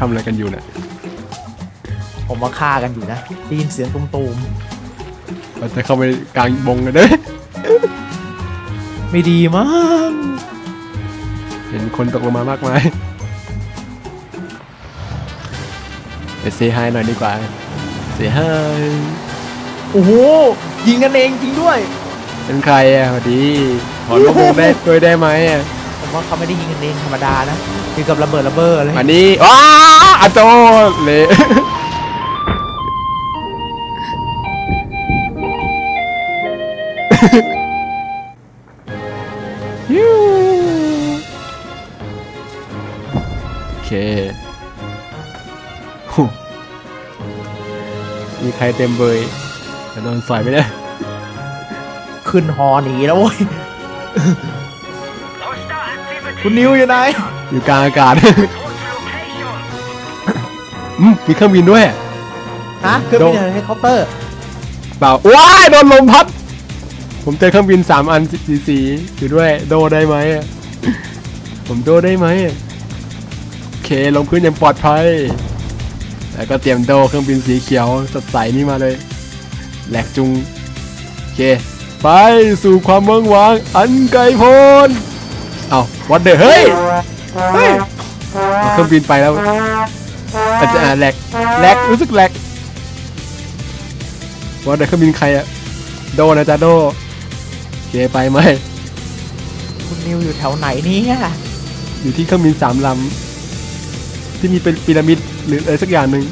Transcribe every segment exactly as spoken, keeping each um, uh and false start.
ำอะไรกันอยู่เนี่ยผมมาฆ่ากันอยู่นะได้ยินเสียงตูมๆเราจะเข้าไปกลางบงกันด้วยไม่ดีมั้งเห็นคนตกลงมามากมายไปเซฮายหน่อยดีกว่าเซฮายโอ้โหยิงกันเองจริงด้วยเป็นใครอ่ะพอดีถอนลูกบงได้ด้วยได้ไหมอ่ะผมว่าเขาไม่ได้ยิงกันเองธรรมดานะยิงกับระเบิดระเบ้อเลยอันนี้ว้าอาโจเละยูโอเคมีใครเต็มเบยจะโดนสอยไหมเนี่ยขึ้นหอหนีแล้วเว้ยคุณนิวอยู่ไหนอยู่กลางอากาศมีเครื่องบินด้วยฮะเครื่องบินเฮลิคอปเตอร์เปล่าว้ายโดนลมพัดผมเจอเครื่องบินสามอันสีสีอยู่ด้วยโดได้ไหมผมโดได้ไหมโอเคลงพื้นอย่างปลอดภัยแล้วก็เตรียมโดเครื่องบินสีเขียวสดใสนี่มาเลยแหลกจุงโอเคไปสู่ความเมืองหวังอันไกลโพ้นเอาวัดเดอเฮ้ยเฮ้ยเครื่องบินไปแล้วอาจจะแหลกแหลกรู้สึกแหลกวัดเดอเครื่องบินใครอะโดนะจ๊ะโดโอเคไปไหมคุณนิวอยู่แถวไหนนี่อยู่ที่เครื่องบินสามลำที่มีเป็นพีระมิดหรืออะไรสักอย่างหนึ่ง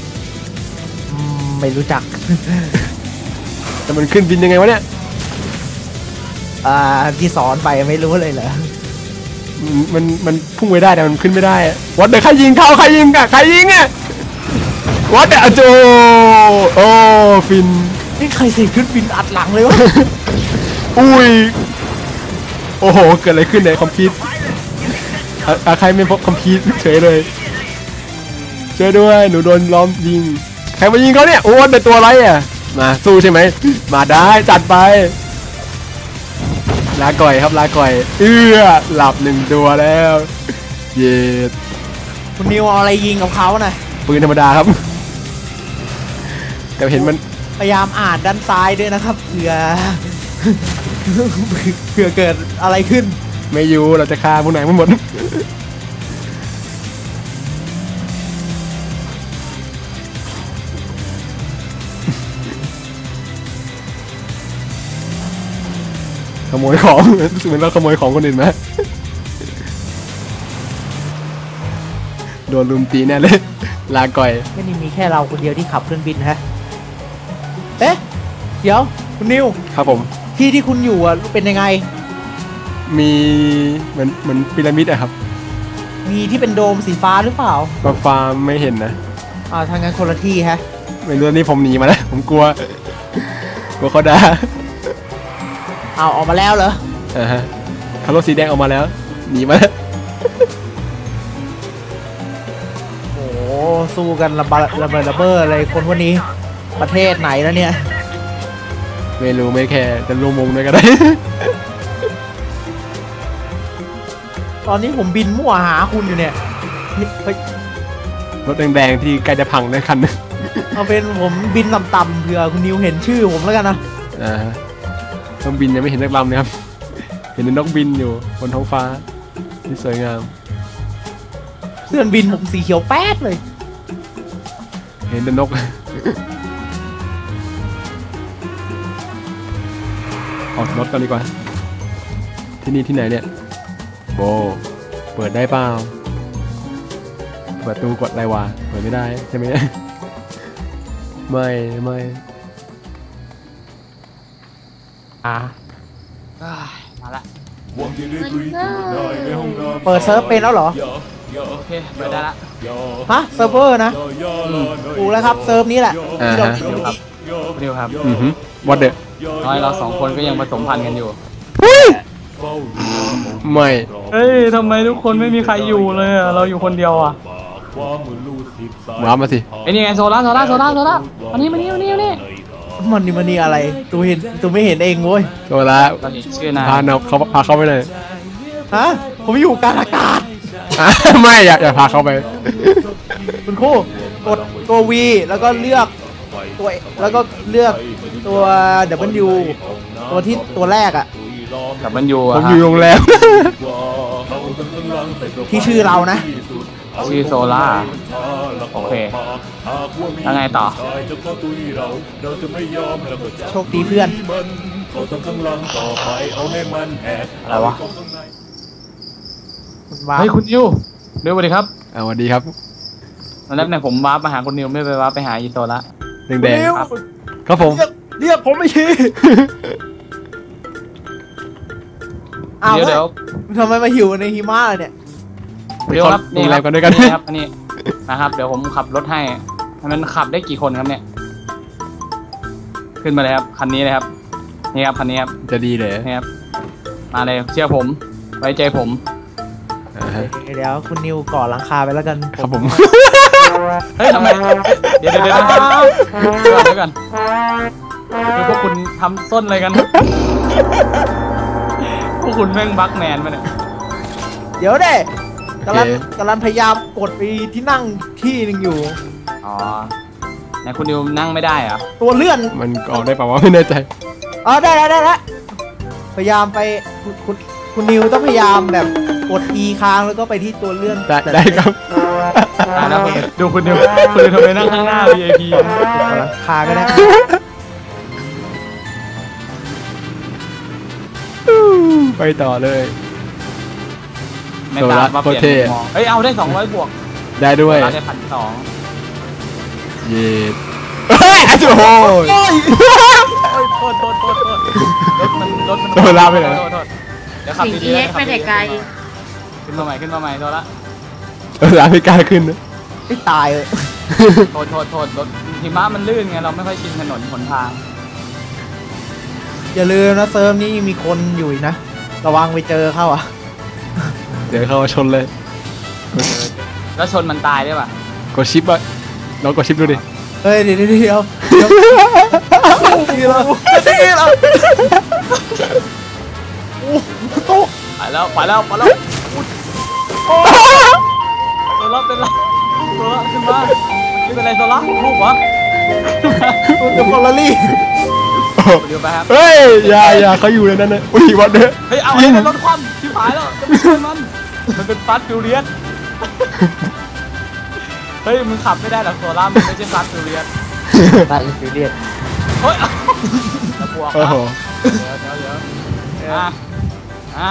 ไม่รู้จักแต่มันขึ้นบินยังไงวะเนี่ยอ่าที่สอนไปไม่รู้เลยเหรอมันมันพุ่งไปได้แต่มันขึ้นไม่ได้วัดเดี๋ยวใครยิงเข้าใครยิงอะใครยิงอะวัดเดี๋ยวโจโอ้ฟินนี่ใครเสกขึ้นบินอัดหลังเลยวะอุ้ยโอ้โหเกิดอะไรขึ้นในคอมพิวต์ใครไม่พบคอมพิวต์เฉยเลยช่วยด้วยหนูโดนล้อมยิงใครมายิงเขาเนี่ยโอ้แต่ตัวอะไรอ่ะมาสู้ใช่ไหมมาได้จัดไปลาก่อยครับลาก่อยเอื้อหลับหนึ่งตัวแล้วเย็ดคุณนิวเอาอะไรยิงกับเขาน่ะปืนธรรมดาครับแต่เห็นมันพยายามอ่านด้านซ้ายด้วยนะครับเผื่อเผื่อเกิดอะไรขึ้นไม่อยู่เราจะฆ่าพวกไหนทั้งหมดขโมยของรู้สึกเหมือนเราขโมยของคนอื่นไหมโดนลุมตีแน่เลยลาก่อยไม่ได้มีแค่เราคนเดียวที่ขับเครื่องบินฮะเอ๊ะเดี๋ยวคุณนิวครับผมที่ที่คุณอยู่อ่ะเป็นยังไงมีเหมือนเหมือนพีระมิดอะครับมีที่เป็นโดมสีฟ้าหรือเปล่าฟ้าไม่เห็นนะอ่าทางงานคนละที่ฮะไม่รู้นี่ผมหนีมาแล้วผมกลัวกลัวเขาด่าเอาออกมาแล้วเหรออ่าฮะคาร์โลสีแดงออกมาแล้วหนีมาแล้วโอ้สู้กันระเบิดระเบิดระเบ้ออะไรคนพวกนี้ประเทศไหนแล้วเนี่ยไม่รู้ไม่แค่จะรวมวงด้วยก็ได้ตอนนี้ผมบินมั่วหาคุณอยู่เนี่ยรถแดงๆที่ใกล้จะพังในคันนึงเอาเป็นผมบินต่ำๆเผื่อคุณนิวเห็นชื่อผมแล้วกันนะอ่าเครื่องบินยังไม่เห็นนักลำเลยครับเห็นนกบินอยู่บนท้องฟ้าที่สวยงามเสื้อบินผมสีเขียวแป๊ดเลยเห็นแต่นกออกรถกันดีกว่าที่นี่ที่ไหนเนี่ยโบเปิดได้เปล่าประตูกดอะไรวะเปิดไม่ได้ใช่ไหมไม่ไม่อ่ามาละเปิดเซิร์ฟเป็นแล้วเหรอโอเคเปิดได้ละฮะเซิร์ฟเวอร์นะถูกแล้วครับเซิร์ฟนี้แหละที่เราคิดครับเร็วครับอือฮึวัดเดอน้อยเราสองคนก็ยังผสมพันธุ์กันอยู่ไม่เฮ้ยทำไมทุกคนไม่มีใครอยู่เลยเราอยู่คนเดียวอ่ะว้ามาสิไอ้นี่ไงโซล่าโซล่าโซล่าโซล่ามานี่มานี่มานี่มานี่มันนี่มันนี่อะไรตัวเห็นตัวไม่เห็นเองเว้ยโซล่าพาเราเขาพาเขาไปเลยฮะผมอยู่กลางอากาศไม่อยากอยากพาเขาไปคุณครูกดตัว V แล้วก็เลือกตัวแล้วก็เลือกตัว W ตัวที่ตัวแรกอะแต่มันอยู่ผมอะอยู่โรงแรมที่ชื่อเรานะชื่อโซล่าโอเคแล้วไงต่อโชคดีเพื่อนอะไรวะคุณว้าเฮ้ยคุณนิวเร็วสวัสดีครับอ่าสวัสดีครับตอนแรกเนี่ยผมวาร์ปมาหาคุณนิวไม่ไปวาร์ปไปหาอีโซละแดงนิวๆครับผมเรียกเรียกผมไม่ทีอ้าวเดี๋ยวเดี๋ยวทำไมมาหิวในหิมะล่ะเนี่ยเดี๋ยวครับโรงแรมกันด้วยกันนี่ครับอันนี้นะครับเดี๋ยวผมขับรถให้มันขับได้กี่คนครับเนี่ย ขึ้นมาเลยครับคันนี้เลยครับนี่ครับคันนี้ครับจะดีเลยนี่ครับมาเลยเชื่อผมไว้ใจผมอ่าฮะเดี๋ยวคุณนิวก่อหลังคาไปแล้วกันครับผมเฮ้ยทำไมเดี๋ยวเดี๋ยวเดี๋ยวเดี๋ยวเดี๋ยวก่อนเดี๋ยวก่อนคือพวกคุณทำส้นอะไรกันพวกคุณแม่งบักแมนมาเนี่ยเดี๋ยวเด้กำลังโอเคกำลังพยายามกดไปที่นั่งที่หนึ่งอยู่อ๋อไหนคุณนิวนั่งไม่ได้เหรอตัวเลื่อนมันออกได้เปล่าวะไม่แน่ใจอ๋อได้แล้วได้แล้วพยายามไปคุณคุณคุณนิวต้องพยายามแบบกด E ค้างแล้วก็ไปที่ตัวเลื่อนได้ได้ครับอ่าแล้วคุณดูคุณนิวคุณนิวทำไมนั่งข้างหน้า วี ไอ พีกดหลังคาก็ได้ไปต่อเลยไม่ตามมาเปลี่ยนโซล่าโคตรเท่มุมมองเฮ้ยเอาได้สองร้อยบวกได้ด้วยเราได้พันสองเย็ดเฮ้ยโอ้โหโอ้ยโทษโทษโทษโทษรถมันรถมันโซล่าไปไหนโทษโทษเดี๋ยวขับสิ่งดีที่ๆเล็กขับไปดีแต่ไกลๆขึ้นมาใหม่ขึ้นมาใหม่โทษละเออร้านไม่กล้าขึ้นนะไม่ตายเลยโทษโทษโทษรถหิมะมันลื่นไงเราไม่ค่อยชินถนนหนทางอย่าลืมนะเซิร์ฟนี้มีคนอยู่อีกนะ ระวังไปเจอเข้าอ่ะเดี๋ยวเข้ามาชนเลยแล้วชนมันตายได้ป่ะกดชิปอะลองกดชิปดูดิเฮ้ยเดี๋ยวเดี๋ยวเดี๋ยวเดี๋ยวดีแล้วดีแล้วโอ้โหไปแล้วไปแล้วไปแล้วอุ๊ยโซล่าเป็นไรโซล่าขึ้นมาไม่เป็นไรโซล่าลูกเหรอตัวเดอะฟอร์รารี่เดี๋ยวไปครับเฮ้ยอย่าอย่าเขาอยู่ในนั้นนะอุ้ยวัดเด้อเฮ้ยเอาไอ้นั่นรถคว่ำชิบหายแล้วจะไม่ช่วยมันมันเป็นฟาสต์ฟิวเรียสเฮ้ยมึงขับไม่ได้หรอกโซล่ามันไม่ใช่ฟาสต์ฟิวเรียสตายอินฟิเลียนเฮ้ยตะบวกโอ้นะโหเดี๋ยวเดี๋ยวเดี๋ยวอ่ะอ่ะ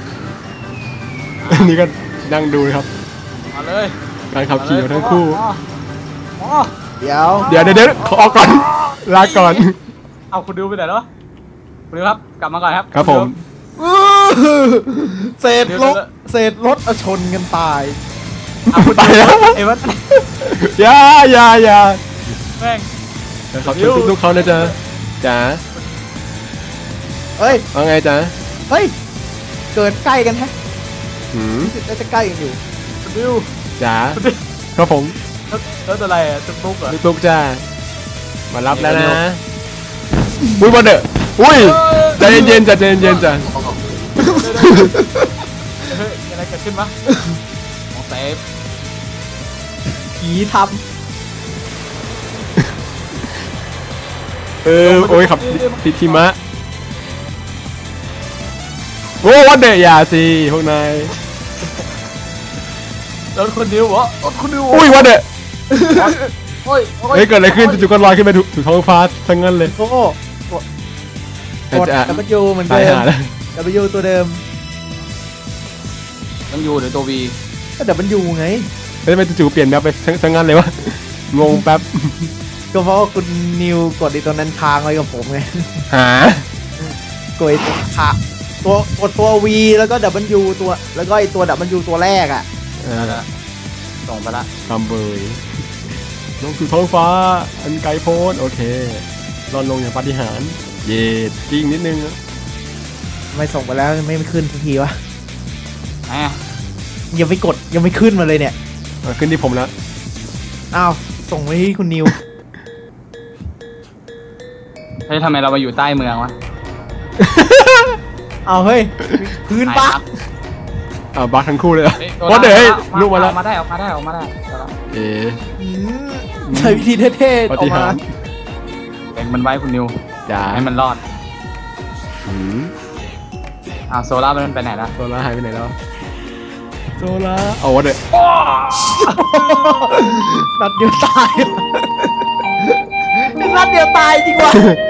นี่ก็นั่งดูนะครับมาเลยการขับขี่ของทั้งคู่อ๋อเดี๋ยวเดี๋ยวเดี๋ยวเดี๋ยวขอออกก่อน ลาก่อนเอาคุณดิวไปไหนแล้วคุณดิวครับกลับมาก่อนครับครับผมอื้อเศษรถเศษรถเอาชนกันตายเอาคุณไปดิวแล้วเอ้ยวัดอย่าอย่าอย่าแม่งขอบคุณทุกๆเขานะจ๊ะจ๋าเฮ้ยว่าไงจ๊ะเฮ้ย เกิดใกล้กันแฮะหืมรู้สึกน่าจะใกล้กันอยู่คุณดิวจ๋าคุณดิวครับผมรถรถอะไรอะตุ๊กตุ๊กเหรอลูกๆจ้ามารับแล้วนะอุ้ยบอลเด้ออุ้ยใจเย็นๆจ้ะใจเย็นๆจ้ะเฮ้ยมีอะไรเกิดขึ้นปะของเซฟผีทเออโอ้ยขับติดทิมะโอ้วันเดออย่าสิพวกนายรถคุณดิวเหรอรถคุณดิวอุ้ยวันเดอโอ้ยโอ้ยเฮ้ยเกิดอะไรขึ้นจู่ๆก็ลอยขึ้นไปถูกท้องฟ้าทั้งนั้นเลยำโอ้กดกดอาจจะ W เหมือนตายเดิมหาแล้ว W ตัวเดิมต้องยูหรือตัววีก็ W ไงแล้วทำไมจู่ๆเปลี่ยนแนวไปทั้งนั้นเลยวะงงแป๊บก็เพราะว่าคุณนิวกดไอีตัวนั้นค้างไว้กับผมไงหากดไอ้ตัวขาตัวกดตัว V แล้วก็ W ตัวแล้วก็ไอตัว W ตัวแรกอ่ะเออส่งไปละทำเบยลงสู่ท้องฟ้าอันไกลโพ้นโอเครอนลงอย่างปาฏิหาริย์เย็ดกิ้งนิดนึงนะไม่ส่งไปแล้วไม่ขึ้นสักทีวะแหมยังไม่กดยังไม่ขึ้นมาเลยเนี่ยเอาขึ้นที่ผมแล้วอ้าวส่งไปที่คุณนิวเฮ้ยทำไมเรามาอยู่ใต้เมืองวะเอาเฮ้ยพื้นปะไปอ่าบักทั้งคู่เลยเฮ้ยว่าเดี๋ยวให้ลูกมาแล้วออกมาได้ออกมาได้ออกมาได้เอาละเอ๊ะอืมใช้วิธีเท่ๆปออฏิกมาหารย์เป็นมันไว้คุณนิวจ้าให้มันรอดอืมอ่าโซล่ามันไปไหนละโซล่าหายไปไหนแล้วโซล่าเอาวะเดี๋ยวนัดเดียวตาย นัดเดียวตายจริงวะ